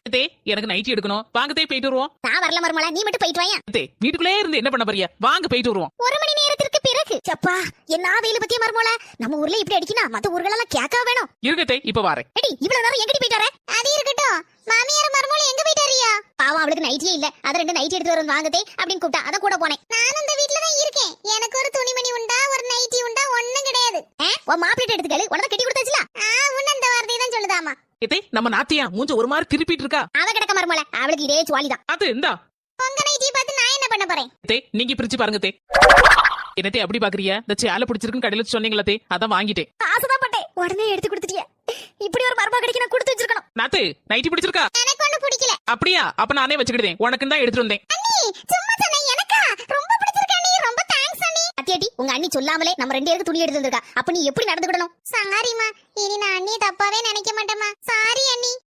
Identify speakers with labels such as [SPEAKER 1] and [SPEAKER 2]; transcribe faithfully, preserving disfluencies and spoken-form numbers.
[SPEAKER 1] தே எனக்கு நைட்டி எடுக்கணும். வாங்க தே போயிட்டு வருவோம்.
[SPEAKER 2] நான் வரல மருமலா, நீ மட்டும் போயிட்டு வாயா.
[SPEAKER 1] தே வீட்டுக்குள்ளே இருந்து என்ன பண்ண போறியா? வாங்க போயிட்டு வருவோம்.
[SPEAKER 2] ஒரு மணி நேரத்திற்கு பிறகு சப்பா என்ன வெயில பத்திய மருமலா, நம்ம ஊர்ல இப்படி அடிக்கினா மத்த ஊர்கள் எல்லாம் கேட்கா வேணும்.
[SPEAKER 1] இருக்கே இப்ப வாரேன்.
[SPEAKER 2] எடி இவ்வளவு நேரம் எங்கடி போயிட்டு வர? அது இருக்கட்டும், மாமியார் மருமல எங்க போயிட்டாரியா? பாவம் அவளுக்கு நைட்டியே இல்ல, அத ரெண்டு நைட்டி எடுத்து வரணும் வாங்கதே அப்படின்னு கூப்பிட்டா அத கூட போனேன். நான் அந்த வீட்ல தான் இருக்கேன். எனக்கு ஒரு துணிமணி உண்டா ஒரு நைட்டி உண்டா ஒண்ணும் கிடையாது. உன் மாப்பிள்ளை எடுத்துக்கல உடனே கட்டி கொடுத்தாச்சுல. ஆ உன்ன அந்த வார்த்தையை தான் சொல்லுதாமா.
[SPEAKER 1] இதே நம்ம நாத்தியா மூஞ்ச ஒரு மாதிரி திருப்பிட்டு இருக்கா.
[SPEAKER 2] அவ கிடக்க மருமல, அவளுக்கு இதே சுவாலிதான்.
[SPEAKER 1] அது இந்தா
[SPEAKER 2] உங்க நைட்டி பார்த்து நான் என்ன பண்ண போறேன்?
[SPEAKER 1] தே நீங்க பிரிச்சு பாருங்க தே. என்னத்தே அப்படி பாக்குறியா? இந்த சேலை பிடிச்சிருக்குன்னு கடையில சொன்னீங்களா தே, அதான் வாங்கிட்டேன்.
[SPEAKER 2] ஆசைதான் பட்டேன், உடனே எடுத்து கொடுத்துட்டிய. இப்படி ஒரு மருமக கிடைக்க நான் கொடுத்து வச்சிருக்கணும்.
[SPEAKER 1] நாத்து நைட்டி பிடிச்சிருக்கா?
[SPEAKER 2] எனக்கு ஒண்ணு பிடிக்கல.
[SPEAKER 1] அப்படியா? அப்ப நானே வச்சுக்கிட்டேன். உனக்கு தான் எடுத்துட்டு வந்தேன்.
[SPEAKER 2] அண்ணி சும்மா சொன்னேன், எனக்கா ரொம்ப பிடிச்சிருக்கு அண்ணி, ரொம்ப தேங்க்ஸ் அண்ணி. அத்தியாட்டி உங்க அண்ணி சொல்லாமலே நம்ம ரெண்டு பேருக்கு துணி எடுத்து வந்திருக்கா. அப்ப நீ எப்படி நடந்துக்கணும்? சாரிமா, இனி நான் அண்ணியை தப்பாவே நினைக்க மாட்டேமா. சாரி அண்ணி.